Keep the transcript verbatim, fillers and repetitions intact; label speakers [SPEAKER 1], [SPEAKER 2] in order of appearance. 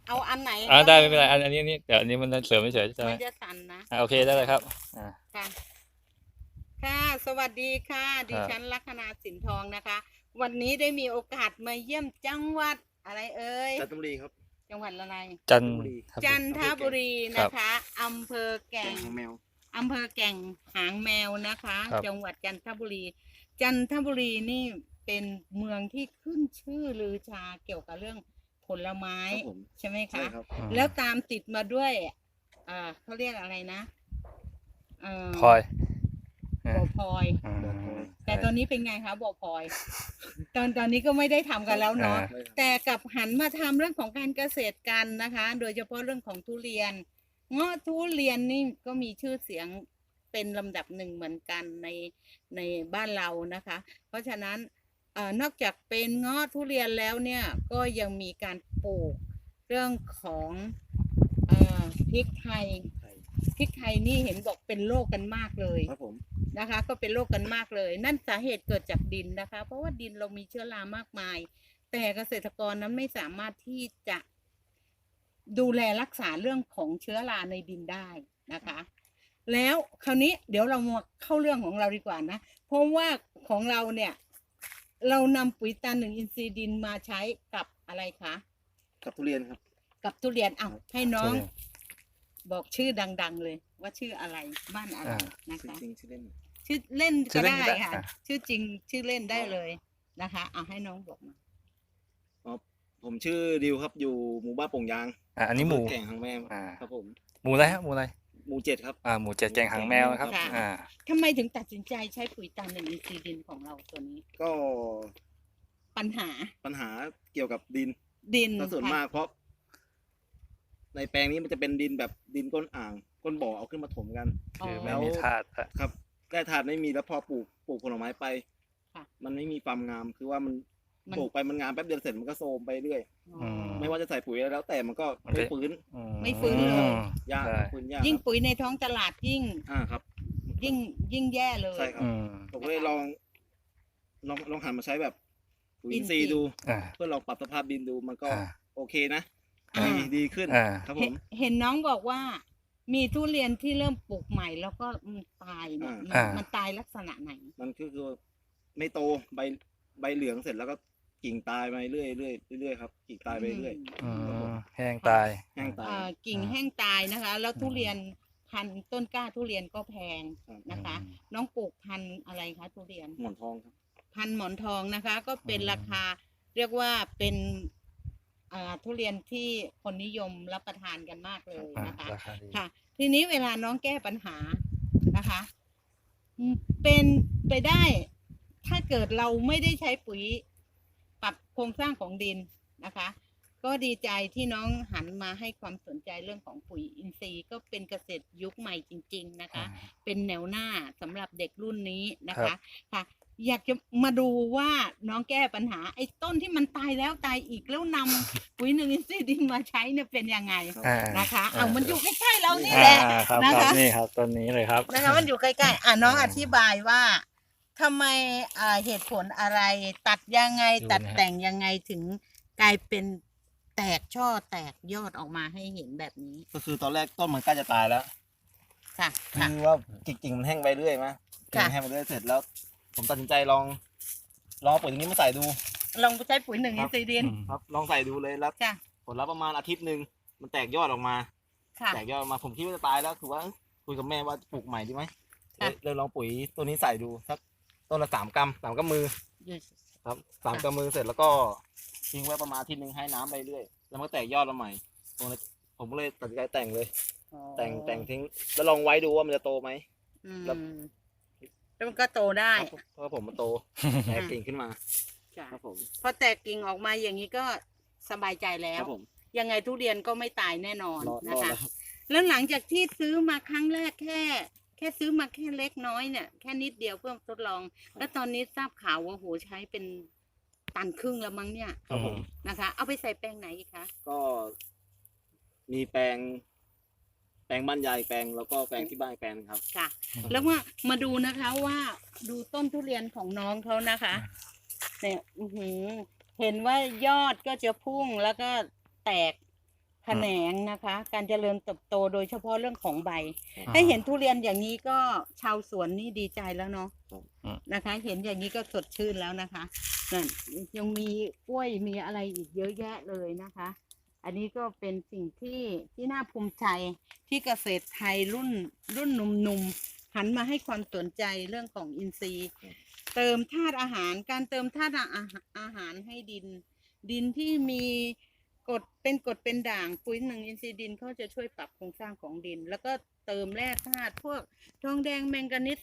[SPEAKER 1] เอาอันไหน
[SPEAKER 2] อ่าได้ไม่เป็นไรอันอันนี้นี่เดี๋ยวอันนี้มันเสริมไม่เฉยใช่ไหม
[SPEAKER 1] มันจะสั่นนะ
[SPEAKER 2] อ่าโอเคได้เลยครับอ่า
[SPEAKER 1] ค่ะค่ะสวัสดีค่ะดิฉันลัคนาสินทองนะคะ วันนี้ได้มีโอกาสมาเยี่ยมจังหวัดอะไรเอ่ย
[SPEAKER 3] จันทบุรีครับ
[SPEAKER 1] จังหวัดอะไร
[SPEAKER 2] จันท
[SPEAKER 3] บุรี
[SPEAKER 1] จันทบุรีนะคะอำเภอแก่
[SPEAKER 3] แก่
[SPEAKER 1] ง
[SPEAKER 3] งแมว
[SPEAKER 1] อำเภอแก่งหางแมวนะคะ
[SPEAKER 2] ครับ
[SPEAKER 1] จังหวัดจันทบุรี จันทบุรีนี่เป็นเมืองที่ขึ้นชื่อลือชาเกี่ยวกับเรื่องผลไม้
[SPEAKER 3] ครับผม
[SPEAKER 1] ใช่ไหม
[SPEAKER 3] ใช่
[SPEAKER 1] คะ
[SPEAKER 3] ครับ
[SPEAKER 2] อืม
[SPEAKER 1] แล้วตามติดมาด้วยอ่าเขาเรียกอะไรนะเอ่อ
[SPEAKER 2] พลอย
[SPEAKER 1] บ่อพลอย
[SPEAKER 2] อืม
[SPEAKER 1] แต่ตอนนี้เป็นไงคะบ่อพลอย ตอนตอนนี้ก็ไม่ได้ทำกันแล้วเนาะ
[SPEAKER 2] อ่า
[SPEAKER 3] ไม่ครับ
[SPEAKER 1] แต่กลับหันมาทำเรื่องของการเกษตรกันนะคะ โดยเฉพาะเรื่องของทุเรียน เงาะทุเรียนนี่ก็มีชื่อเสียงเป็นลำดับหนึ่งเหมือนกันในในบ้านเรานะคะ เพราะฉะนั้นเอ่อนอกจากเป็นเงาะทุเรียนแล้วเนี่ยก็ยังมีการปลูกเรื่องของเอ่อพริกไทย
[SPEAKER 3] ใช่
[SPEAKER 1] พริกไทยนี่เห็นบอกเป็นโรคกันมากเลย
[SPEAKER 3] ครับผม
[SPEAKER 1] นะคะก็เป็นโรคกันมากเลย นั่นสาเหตุเกิดจากดินนะคะ เพราะว่าดินเรามีเชื้อรามากมาย แต่เกษตรกรนั้นไม่สามารถที่จะดูแลรักษาเรื่องของเชื้อราในดินได้นะคะ แล้วคราวนี้เดี๋ยวเรามาเข้าเรื่องของเราดีกว่านะเพราะว่าของเราเนี่ย เรานำปุ๋ยตาหนึ่งอินทรีย์ดินมาใช้กับอะไรคะ
[SPEAKER 3] กับทุเรียนครับ
[SPEAKER 1] กับทุเรียนอ้าวให้น้อง
[SPEAKER 2] ทุเรียน
[SPEAKER 1] บอกชื่อดัง ๆ เลย ว่าชื่ออะไรบ้านอะไร
[SPEAKER 2] อ่า
[SPEAKER 1] นะ
[SPEAKER 3] ชื่อ
[SPEAKER 1] คะ
[SPEAKER 3] จริงชื่อเล่น
[SPEAKER 1] ชื่อเล่น
[SPEAKER 2] ชื่
[SPEAKER 1] ก็
[SPEAKER 2] อเล่น
[SPEAKER 1] ได้
[SPEAKER 2] ก็ได้
[SPEAKER 1] ค่ะ
[SPEAKER 2] อ่ะ
[SPEAKER 1] ชื่อจริงชื่อเล่นได้เลยนะคะเอาให้น้องบอกมา
[SPEAKER 3] อ๋อผมชื่อดิวครับอยู่หมู่บ้านโป่งยาง
[SPEAKER 2] อ่าอันนี้หมู
[SPEAKER 3] แก่งหางแมว
[SPEAKER 2] อ่า
[SPEAKER 3] ครับผม
[SPEAKER 2] หมูอะไรฮะหมูอะไร
[SPEAKER 3] หมู่เจ็ดครับ
[SPEAKER 2] อ่าหมูเจ็ดแกงหางแมวนะครับ
[SPEAKER 1] ค่ะ
[SPEAKER 2] อ่า
[SPEAKER 1] ทำไมถึงตัดสินใจใช้ปุ๋ยตาหนึ่งอินทรีย์ดินของเราตัวนี้
[SPEAKER 3] ก็
[SPEAKER 1] ปัญหา
[SPEAKER 3] ปัญหาเกี่ยวกับดิน
[SPEAKER 1] ดิน
[SPEAKER 3] ก็ส่วน
[SPEAKER 1] ค่ะ
[SPEAKER 3] มากเพราะ ในแปลงนี้มันจะเป็นดินแบบดินก้นอ่าง ก้นบ่อเอาขึ้นมาถมกัน
[SPEAKER 1] อ๋อ
[SPEAKER 2] คือไม่มีธาตุอะ
[SPEAKER 3] ครับได้ถาดไม่มีแล้วพอปลูกปลูกผลไม้ไป
[SPEAKER 1] ค่ะ
[SPEAKER 3] มันไม่มีความงามคือว่ามัน
[SPEAKER 1] มัน
[SPEAKER 3] ปลูกไปมันงามแป๊บเดียวเสร็จมันก็โทรมไปเรื่อย
[SPEAKER 1] อ๋อ
[SPEAKER 3] ไม่ว่าจะใส่ปุ๋ยอะไรแล้วแต่มันก็ไม่ฟื้น
[SPEAKER 2] อื
[SPEAKER 1] ไม่ฟื้นเลย
[SPEAKER 3] ยาก
[SPEAKER 2] ใช่
[SPEAKER 3] ฟื้นยาก
[SPEAKER 1] ยิ่ง
[SPEAKER 3] ครับ
[SPEAKER 1] ปุ๋ยในท้องตลาดยิ่ง
[SPEAKER 3] อ่าครับ
[SPEAKER 1] ยิ่งยิ่งแย่เลย
[SPEAKER 3] ใช่ครับ
[SPEAKER 2] อืม
[SPEAKER 3] ผมก็เลยลองลองลองหันมาใช้แบบปุ๋ย
[SPEAKER 1] อิ
[SPEAKER 3] อิ
[SPEAKER 1] น
[SPEAKER 3] น
[SPEAKER 1] ท
[SPEAKER 3] ท
[SPEAKER 1] รี
[SPEAKER 3] รี
[SPEAKER 1] ย์
[SPEAKER 3] ย์ดู
[SPEAKER 2] อ่า
[SPEAKER 3] เพื่อลองปรับสภาพดินดูมันก็
[SPEAKER 2] อ่า
[SPEAKER 3] โอเคนะ
[SPEAKER 1] อ่า
[SPEAKER 3] ดีดีขึ้น
[SPEAKER 2] อ่า
[SPEAKER 3] ครับผ
[SPEAKER 1] เห็น
[SPEAKER 3] ม
[SPEAKER 1] เห็นน้องบอกว่า มีทุเรียนที่เริ่มปลูกใหม่แล้วก็มันตายเนี่ยมัน
[SPEAKER 2] อ่ามั
[SPEAKER 1] มันตายลักษณะไหน
[SPEAKER 3] มันก็คือไม่โตใบใบเหลืองเสร็จแล้วก็กิ่งตายไปเรื่อยเรื่อยเรื่อยครับกิ่งตายไปเรื่อย
[SPEAKER 2] อืมแห้งตาย
[SPEAKER 3] แห้งตาย
[SPEAKER 1] เอ่อกิ่ง
[SPEAKER 2] อ่า
[SPEAKER 1] แห้งตายนะคะ แล้วทุเรียนพันธุ์ต้นกล้าทุเรียนก็แพง
[SPEAKER 3] ครับ
[SPEAKER 1] นะคะ น้องปลูกพันธุ์อะไรคะทุเรียน
[SPEAKER 3] หมอนทองครับ
[SPEAKER 1] พันธุ์หมอนทองนะคะ ก็เป็น
[SPEAKER 2] อืม
[SPEAKER 1] ราคา เรียกว่าเป็นอ่าทุเรียนที่คนนิยมรับประทานกันมากเลย
[SPEAKER 2] อ่า
[SPEAKER 1] นะคะ
[SPEAKER 2] ราคาดี
[SPEAKER 1] ค่ะ ทีนี้เวลาน้องแก้ปัญหานะคะอืมเป็นไปได้ ถ้าเกิดเราไม่ได้ใช้ปุ๋ยปรับโครงสร้างของดินนะคะ ก็ดีใจที่น้องหันมาให้ความสนใจเรื่องของปุ๋ยอินทรีย์ก็เป็นเกษตรยุคใหม่จริง ๆนะคะ เป็นแนวหน้าสำหรับเด็กรุ่นนี้นะคะค่ะ อยากจะมาดูว่าน้องแก้ปัญหา ไอ้ต้นที่มันตายแล้วตายอีกแล้วนำปุ๋ยหนึ่งอินทรีย์ดินมาใช้เนี่ยเป็นยังไง
[SPEAKER 2] อ่า
[SPEAKER 1] นะคะ เอามันอยู่ใกล้ๆเรานี่
[SPEAKER 2] อ่า
[SPEAKER 1] แหละ
[SPEAKER 2] ครับ
[SPEAKER 1] นะ
[SPEAKER 2] ครั
[SPEAKER 1] คะ
[SPEAKER 2] บนี่ครับต้นนี้เลยครับ
[SPEAKER 1] นะคะมันอยู่ใกล้ๆอ่ะน้อง
[SPEAKER 2] อ่า
[SPEAKER 1] อธิบายว่าทำไมอ่าเหตุผลอะไร ตัดยังไง
[SPEAKER 2] ดูนะ
[SPEAKER 1] ตัดแต่งยังไงถึงกลายเป็นแตกช่อแตกยอดออกมาให้เห็นแบบนี้
[SPEAKER 3] ก็คือตอนแรกต้นมันใกล้จะตายแล้ว
[SPEAKER 1] ค่ะค่ะ
[SPEAKER 3] คือว่ากิ่งๆมันแห้งไปเรื่อยมั้ยกิ่
[SPEAKER 1] ค่ะ
[SPEAKER 3] งแห้งไปเรื่อยเสร็จแล้ว ผมตัดสินใจลองลองเอาปุ๋ยตรงนี้มาใส่ดู
[SPEAKER 1] ลองไปใช้ปุ๋ยหนึ่ง
[SPEAKER 3] ค
[SPEAKER 1] อิ
[SPEAKER 3] รั
[SPEAKER 1] น
[SPEAKER 3] บ
[SPEAKER 1] ทรีย์ดิน
[SPEAKER 2] อืม
[SPEAKER 3] ครับ ลองใส่ดูเลยแล้ว
[SPEAKER 1] จ้ะ
[SPEAKER 3] ผลลัพธ์ประมาณอาทิตย์หนึ่งมันแตกยอดออกมา
[SPEAKER 1] ค่ะ
[SPEAKER 3] แตกยอดออกมาผมคิดว่าจะตายแล้วคือว่าเอ้ยคุยกับแม่ว่าจะปลูกใหม่ดีไหม
[SPEAKER 1] ค่ะ
[SPEAKER 3] เลยเลยลองปุ๋ยตัวนี้ใส่ดูสักต้นละสามกรัมสามกำมือ
[SPEAKER 1] อยู่
[SPEAKER 3] ครับสาม
[SPEAKER 1] ค่ะ
[SPEAKER 3] กำมือเสร็จแล้วก็ทิ้งไว้ประมาณอาทิตย์หนึ่งให้น้ำไปเรื่อยแล้วมันก็แตกยอดมาใหม่ผมเลยผมก็เลยตัดสินใจแต่งเลย
[SPEAKER 1] อ๋อ
[SPEAKER 3] แต่งแต่งทิ้งแล้วลองไว้ดูว่ามันจะโตไหม
[SPEAKER 1] อืม
[SPEAKER 3] แล้ว
[SPEAKER 1] แล้วมันก็โตได้
[SPEAKER 3] เพราะเพราะว่าผมมันโตแตกกิ่งขึ้นมา
[SPEAKER 1] จ้ะ
[SPEAKER 3] ครับผม
[SPEAKER 1] พอแตกกิ่งออกมาอย่างนี้ก็สบายใจแล้
[SPEAKER 3] คว รับผม
[SPEAKER 1] ยังไงทุเรียนก็ไม่ตายแน่นอน
[SPEAKER 3] รอร
[SPEAKER 1] นะ
[SPEAKER 3] อ
[SPEAKER 1] คะ
[SPEAKER 3] แล้ว
[SPEAKER 1] แล้วหลังจากที่ซื้อมาครั้งแรกแค่ แค่ซื้อมาแค่เล็กน้อยเนี่ยแค่นิดเดียวเพื่อทดลอง แล้วตอนนี้ทราบข่าวว่าโหใช้เป็นตันครึ่งแล้วมั้งเนี่ย
[SPEAKER 3] ครับผม
[SPEAKER 1] นะคะ เอาไปใส่แปลงไหนอีกคะ
[SPEAKER 3] ก็มีแปลง แปลงบ้านยายแปลงแล้วก็แปลงที่บ้านอีกแปลงหนึ่งครับ
[SPEAKER 1] ค่ะ แล้วว่ามาดูนะคะว่าดูต้นทุเรียนของน้องเขานะคะเนี่ยอื้อหือเห็นว่ายอดก็จะพุ่งแล้วก็แตกแขนงนะคะ การเจริญเติบโตโดยเฉพาะเรื่องของใบ
[SPEAKER 2] อืม
[SPEAKER 1] ให้เห็นทุเรียนอย่างนี้ก็ชาวสวนนี่ดีใจแล้วเนาะ
[SPEAKER 2] อืม
[SPEAKER 1] นะคะ เห็นอย่างนี้ก็สดชื่นแล้วนะคะนั่นยังมีกล้วยมีอะไรอีกเยอะแยะเลยนะคะ อันนี้ก็เป็นสิ่งที่ที่น่าภูมิใจที่เกษตรไทยรุ่นรุ่นหนุ่มๆหันมาให้ความสนใจเรื่องของอินทรีย์ เติมธาตุอาหารการเติมธาตุอาหารอาหารให้ดิน ดินที่มีกรดเป็นกรดเป็นด่างปุ๋ยหนึ่งอินทรีย์ดินเขาจะช่วยปรับโครงสร้างของดิน แล้วก็เติมแร่ธาตุพวกทองแดงแมงกานีส